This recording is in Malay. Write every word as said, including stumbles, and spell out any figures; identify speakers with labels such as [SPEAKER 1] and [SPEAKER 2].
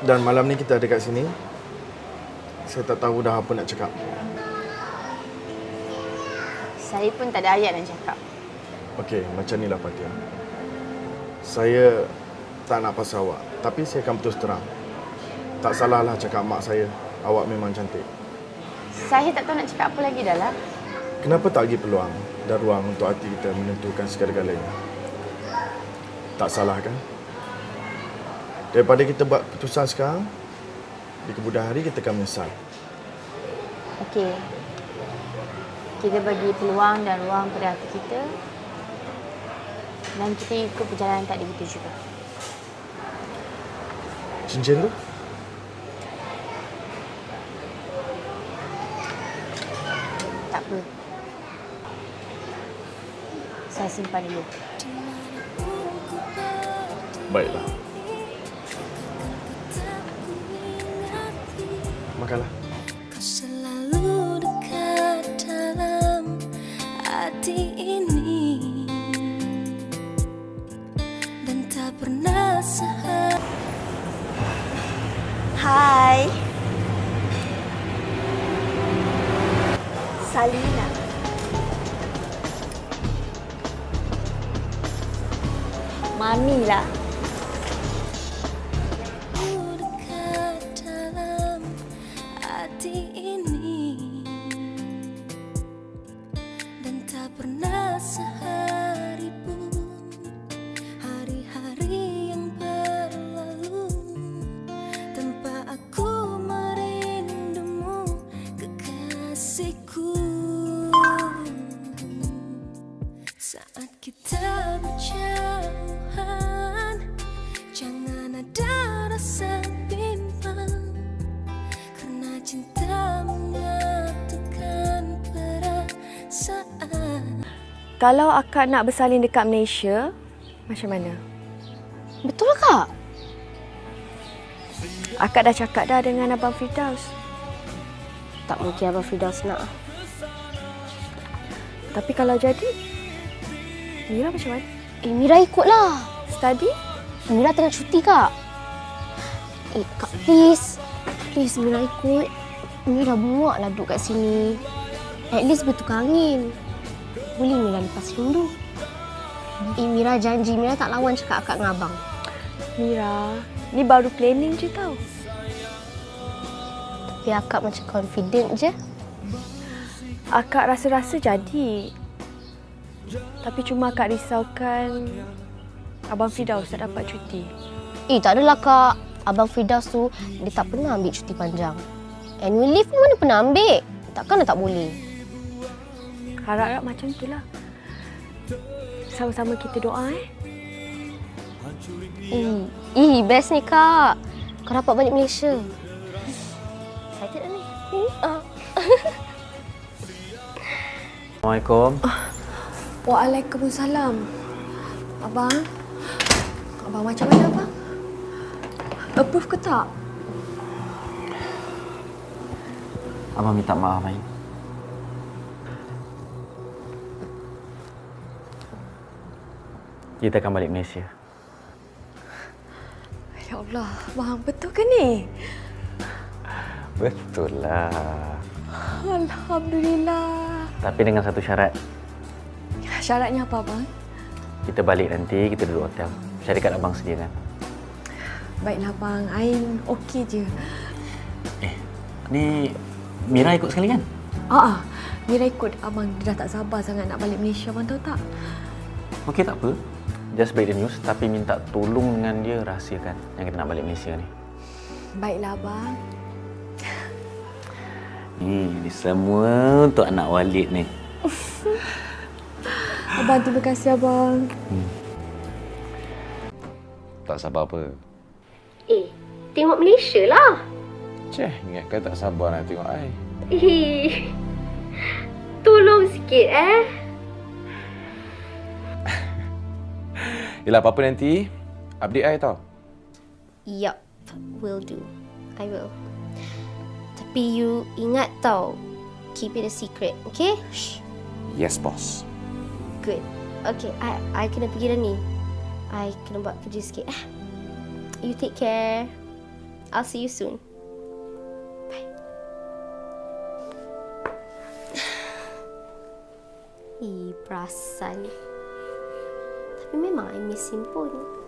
[SPEAKER 1] Dan malam ni kita ada kat sini. Saya tak tahu dah apa nak cakap.
[SPEAKER 2] Saya pun tak ada ayat nak cakap.
[SPEAKER 1] Okey, macam ni lah Fatia. Saya tak nak pasal awak. Tapi saya akan putus terang. Tak salahlah cakap mak saya. Awak memang cantik.
[SPEAKER 2] Saya tak tahu nak cakap apa lagi dah lah.
[SPEAKER 1] Kenapa tak bagi peluang dan ruang untuk hati kita menentukan segala-galanya? Tak salah kan? Daripada kita buat keputusan sekarang, di kemudian hari kita akan menyesal.
[SPEAKER 2] Okey. Kita bagi peluang dan ruang pada hati kita. Dan kita ikut perjalanan takdir kita juga.
[SPEAKER 1] Cincin tu?
[SPEAKER 2] Tak apa. Saya simpan dulu.
[SPEAKER 1] Baiklah. Makanlah.
[SPEAKER 3] Kau selalu dekat dalam hati ini dan tak pernah sehari.
[SPEAKER 4] Hai. Salina. Mami lah.
[SPEAKER 3] Dekat dalam hati ini dan tak pernah sehari pun hari-hari yang berlalu tanpa aku merindumu, kekasihku. Saat kita berjauhan, jangan ada rasa bimbang, karena cinta menyatukan perasaan.
[SPEAKER 4] Kalau akak nak bersalin dekat Malaysia, macam mana?
[SPEAKER 2] Betul kak?
[SPEAKER 4] Akak dah cakap dah dengan Abang Firdaus.
[SPEAKER 2] Tak mungkin Abang Firdaus nak.
[SPEAKER 4] Tapi kalau jadi, Mira macam mana?
[SPEAKER 2] Eh, Mira ikutlah.
[SPEAKER 4] Study?
[SPEAKER 2] Mira tengah cuti kak. Eh kak, please. Please Mira ikut. Mira muak lah duduk kat sini. At least bertukar angin. Boleh Mira lepas rindu. Eh Mira janji, Mira tak lawan cakap akak dengan abang.
[SPEAKER 4] Mira, ni baru planning je tau.
[SPEAKER 2] Tapi akak macam confident je.
[SPEAKER 4] Akak rasa-rasa jadi. Tapi cuma akak risaukan Abang Firdaus tak dapat cuti.
[SPEAKER 2] Eh tak adalah kak. Abang Firdaus tu, dia tak pernah ambil cuti panjang. Annual leave ni mana pernah ambil. Takkan dah tak boleh.
[SPEAKER 4] Harap-harap macam itulah. Sama-sama kita doa eh.
[SPEAKER 2] Eh, eh best ni kak. Kau dapat balik Malaysia. Excited dah ni. Uh.
[SPEAKER 5] Assalamualaikum.
[SPEAKER 4] Waalaikumsalam. Abang, abang macam mana abang? Approve ke tak?
[SPEAKER 5] Abang minta maaf, Ain. Kita akan balik Malaysia.
[SPEAKER 4] Ya Allah, abang betul ke ni?
[SPEAKER 5] Betul lah.
[SPEAKER 4] Alhamdulillah.
[SPEAKER 5] Tapi dengan satu syarat.
[SPEAKER 4] Syaratnya apa abang?
[SPEAKER 5] Kita balik nanti, kita duduk hotel. Syarikat abang sediakan.
[SPEAKER 4] Baiklah abang, Ain okey je.
[SPEAKER 5] Eh, ni Mira ikut sekali kan?
[SPEAKER 4] Ah, ah, Mira ikut abang. Dia dah tak sabar sangat nak balik Malaysia, abang tahu tak?
[SPEAKER 5] Okey, tak apa. Just break the news, tapi minta tolong dengan dia rahsiakan yang kita nak balik Malaysia ni.
[SPEAKER 4] Baiklah abang.
[SPEAKER 5] Ni, ni semua untuk anak Walid ni.
[SPEAKER 4] Abang, terima kasih abang.
[SPEAKER 5] Hmm.
[SPEAKER 6] Tak sabar apa?
[SPEAKER 2] Eh, tengok Malaysia lah.
[SPEAKER 6] Ceh, ingatkan tak sabar nak tengok I.
[SPEAKER 2] Eh, tolong sikit eh.
[SPEAKER 6] Yelah, apa-apa nanti update I tau.
[SPEAKER 2] Yup, will do. I will. Tapi you ingat tau, keep it a secret, okay? Shh.
[SPEAKER 6] Yes, boss.
[SPEAKER 2] Good. Okay, I I kena pergi dah ni. I kena buat kerja sikit. Eh. You take care. I'll see you soon. Bye. Ih, perasan. Tapi memang I miss him pun.